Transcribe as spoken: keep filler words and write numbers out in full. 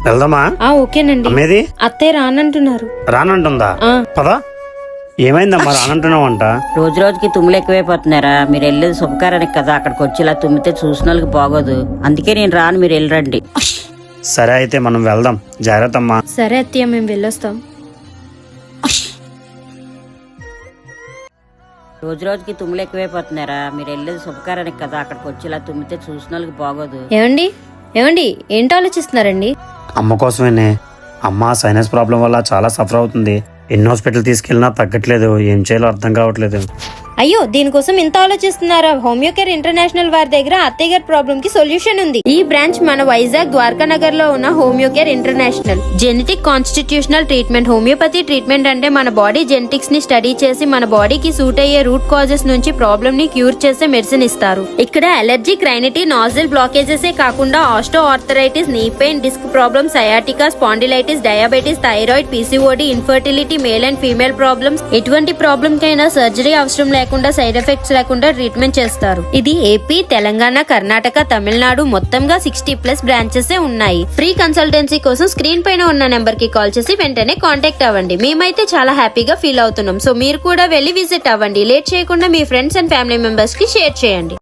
వెళ్దామా? ఆ ఓకేనండి. అమ్మేది అత్తయ్య రానంటున్నారు. రానంటుందా? ఆ. పదా. ఏమైందమ్మా రానంటున్నావంట? రోజు రోజుకి తుమ్ములు ఎక్కువైపోతున్నారా? మీరు వెళ్ళేది శుభకారానికి కదా, అక్కడికి వచ్చి ఇలా తుమ్మితే చూసిన వాళ్ళకి బాగోదు. అందుకే నేను రాను, మీరు వెళ్ళరండి. సరే అయితే మనం వెళ్దాం. జాగ్రత్త అమ్మా. సరే అత్తయ్య, మేము వెళ్ళొస్తాం. రోజు రోజుకి తుమ్ములు ఎక్కువైపోతున్నారా? మీరు వెళ్ళేది శుభకారానికి కదా, అక్కడికి వచ్చి ఇలా తుమ్మితే చూసిన వాళ్ళకి బాగోదు. ఏమండి ఏమండి ఏంటి ఆలోచిస్తున్నారండి? అమ్మ కోసమేనే. అమ్మ సైనస్ ప్రాబ్లం వల్ల చాలా సఫర్ అవుతుంది. ఎన్ని హాస్పిటల్ తీసుకెళ్ళినా తగ్గట్లేదు. ఏం చేయాలో అర్థం కావట్లేదు. అయ్యో, దీనికోసం ఇంత ఆలోచిస్తున్నారా? హోమియోకేర్ ఇంటర్నేషనల్ వారి దగ్గర అత్తయ్య గారి ప్రాబ్లం కి సొల్యూషన్ ఉంది. ఈ బ్రాంచ్ మన వైజాగ్ ద్వారకా నగర్ లో ఉన్న Homeocare international. Genetic constitutional treatment. Homeopathy treatment అంటే మన బాడీ జెనెటిక్స్ ని స్టడీ చేసి మన బాడీకి సూట్ అయ్యే రూట్ కాజెస్ నుంచి ప్రాబ్లమ్ ని క్యూర్ చేసే మెడిసిన్ ఇస్తారు. ఇక్కడ అలర్జీ, క్రైనిటీ, నాజిల్ బ్లాకేజెస్ కాకుండా osteoarthritis, knee pain, disc problems, sciatica, spondylitis, diabetes, thyroid, PCOD, infertility, male and female problems, ఎటువంటి ప్రాబ్లమ్ కైనా సర్జరీ అవసరం లేకుండా, సైడ్ ఎఫెక్ట్స్ లేకుండా ట్రీట్మెంట్ చేస్తారు. ఇది ఏపీ, తెలంగాణ, కర్ణాటక, తమిళనాడు మొత్తంగా సిక్స్టీ ప్లస్ బ్రాంచెస్ ఉన్నాయి. ఫ్రీ కన్సల్టెన్సీ కోసం స్క్రీన్ పైన ఉన్న నెంబర్ కి కాల్ చేసి వెంటనే కాంటాక్ట్ అవ్వండి. మేమైతే చాలా హ్యాపీగా ఫీల్ అవుతున్నాం. సో మీరు కూడా వెళ్ళి విజిట్ అవ్వండి. లేట్ చేయకుండా మీ ఫ్రెండ్స్ అండ్ ఫ్యామిలీ మెంబర్స్ కి షేర్ చేయండి.